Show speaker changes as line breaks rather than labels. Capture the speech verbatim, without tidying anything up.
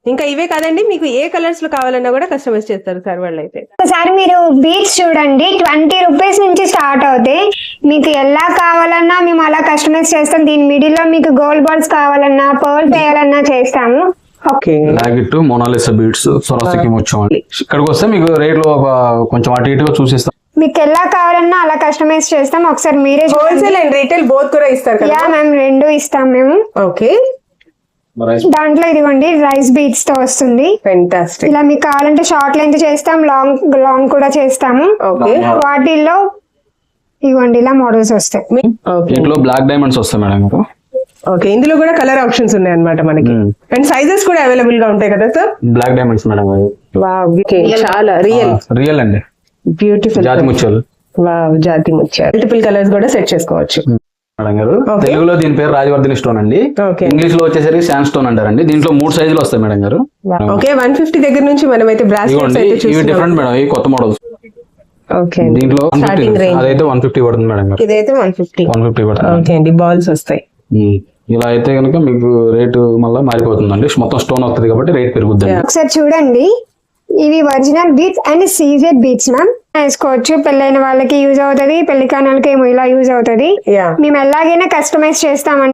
ఇంకా ఇవే కాదండి, మీకు ఏ కలర్స్ లో కావాలన్నా కూడా కస్టమైజ్ చేస్తారు సార్ వాళ్ళు అయితే.
ఒకసారి మీరు బీట్స్ చూడండి, ట్వంటీ రూపీస్ నుంచి స్టార్ట్ అవుతాయి. మీకు ఎలా కావాలన్నా మేము అలా కస్టమైజ్ చేస్తాం. దీని మిడిల్ లో మీకు గోల్డ్ బాల్స్ కావాలన్నా, పర్ల్ చేయాలన్నా చేస్తాము.
ఓకే,
లాగిట్ మోనాలిసా బీడ్స్ సొరాసికి వచ్చామండి. ఇక్కడికి వస్తే మీకు రేట్లు ఒక కొంచెం అటు ఇటుగా చూసిస్తాం.
మీకు ఎలా కావాలన్నా అలా కస్టమైజ్ చేస్తాం. ఒకసారి మీరే
హోల్సేల్ అండ్ రీటైల్ బోత్ కూడా ఇస్తారు కదా?
యా మ్యామ్, రెండు ఇస్తాం మేము.
ఓకే,
దాంట్లో ఇదిగోండి రైస్ బీట్స్ తో వస్తుంది.
ఫెంటాస్టిక్.
ఇలా మీకు కావాలంటే షార్ట్ లెంత్ చేస్తాం, లాంగ్ లాంగ్ కూడా చేస్తాము.
ఓకే,
వాటిల్లో ఇవ్వండి ఇలా మోడల్స్ వస్తాయి.
దీంట్లో బ్లాక్ డైమండ్స్ వస్తాయి మేడం మీకు.
ఓకే, ఇందులో కూడా కలర్ ఆప్షన్స్ ఉన్నాయి అన్నమాట మనకి. అండ్ సైజెస్ కూడా అవైలబుల్ గా ఉంటాయి కదా sir?
Black diamonds madam.
Wow, చాలా రియల్
రియల్ అండి,
బ్యూటిఫుల్
జాతి ముత్యాలు.
వావ్, జాతి ముత్యాలు. మల్టిపుల్ కలర్స్ కూడా సెట్ చేసుకోవచ్చు
మేడం గారు. తెలుగులో దీని పేరు రాజవర్ధిని స్టోన్ అండి.
ఓకే,
ఇంగ్లీష్ లో వచ్చేసరికి శాండ్ స్టోన్ అంటారండి. దీంట్లో మూడు సైజులు వస్తాయి మేడం గారు.
ఓకే, వన్ ఫిఫ్టీ దగ్గర నుంచి మనం అయితే బ్రాస్లెట్స్ అయితే
ఇవి
చూస్తున్నాం.
డిఫరెంట్ మేడం, ఇవి కొత్త మోడల్స్.
ఓకే,
దీంట్లో
స్టార్టింగ్ రేంజ్
అదైతే వన్ ఫిఫ్టీ పడుతుంది మేడం గారు.
ఇదైతే వన్ ఫిఫ్టీ
వన్ ఫిఫ్టీ పడుతుంది.
ఓకే అండి, బాల్స్ వస్తాయి.
ఇలా అయితే కనుక మీకు రేటు మళ్ళీ మారిపోతుందండి. మొత్తం స్టోన్ వస్తుంది కాబట్టి రేట్ పెరుగుతుంది.
ఒకసారి చూడండి, ఇవి original beads and CZ beads ma'am. వేసుకోవచ్చు, పెళ్ళైన వాళ్ళకి యూజ్ అవుతుంది, పెళ్లి కాని వాళ్ళకి ఏమో ఇలా యూజ్ అవుతుంది.
యా,
మేము ఎలాగైనా కస్టమైజ్ చేస్తామండి.